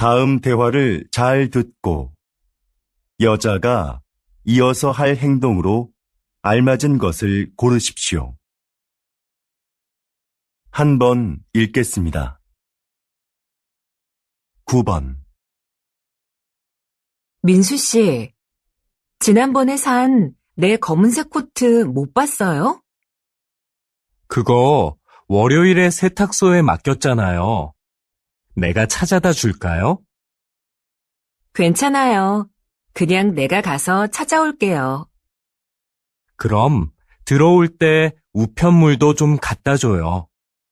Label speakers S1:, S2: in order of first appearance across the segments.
S1: 다음 대화를 잘 듣고 여자가 이어서 할 행동으로 알맞은 것을 고르십시오. 한 번 읽겠습니다. 9번.
S2: 민수 씨, 지난번에 산 내 검은색 코트 못 봤어요?
S3: 그거 월요일에 세탁소에 맡겼잖아요. 내가 찾아다 줄까요?
S2: 괜찮아요. 그냥 내가 가서 찾아올게요.
S3: 그럼 들어올 때 우편물도 좀 갖다 줘요.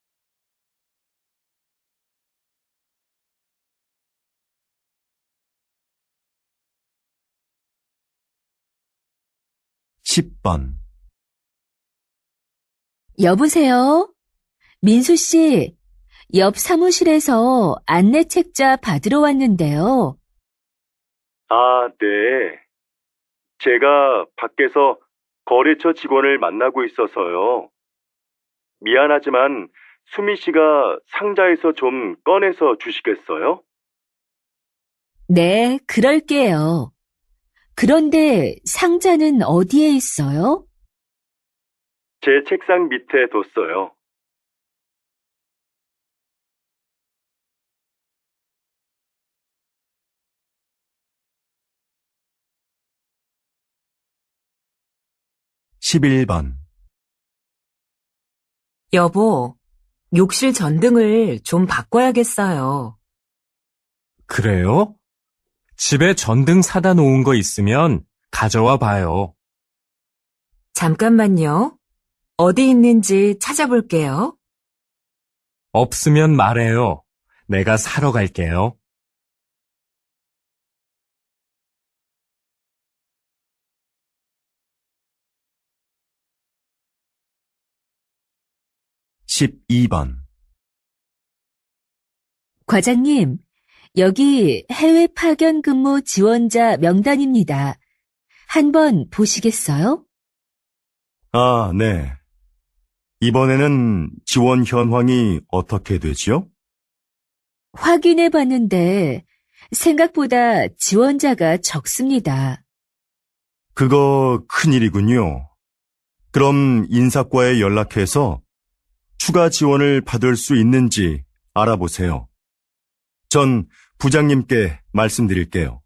S1: 10번.
S4: 여보세요? 민수 씨, 옆 사무실에서 안내 책자 받으러 왔는데요.
S1: 아, 네. 제가 밖에서 거래처 직원을 만나고 있어서요. 미안하지만 수미 씨가 상자에서 좀 꺼내서 주시겠어요?
S4: 네, 그럴게요. 그런데 상자는 어디에 있어요?
S1: 제 책상 밑에 뒀어요. 11번.
S2: 여보, 욕실 전등을 좀 바꿔야겠어요.
S3: 그래요? 집에 전등 사다 놓은 거 있으면 가져와 봐요.
S2: 잠깐만요. 어디 있는지 찾아볼게요.
S3: 없으면 말해요. 내가 사러 갈게요.
S1: 12번.
S4: 과장님, 여기 해외 파견 근무 지원자 명단입니다. 한번 보시겠어요?
S1: 아, 네. 이번에는 지원 현황이 어떻게 되지요?
S4: 확인해 봤는데 생각보다 지원자가 적습니다.
S1: 그거 큰일이군요. 그럼 인사과에 연락해서 추가 지원을 받을 수 있는지 알아보세요. 전 부장님께 말씀드릴게요.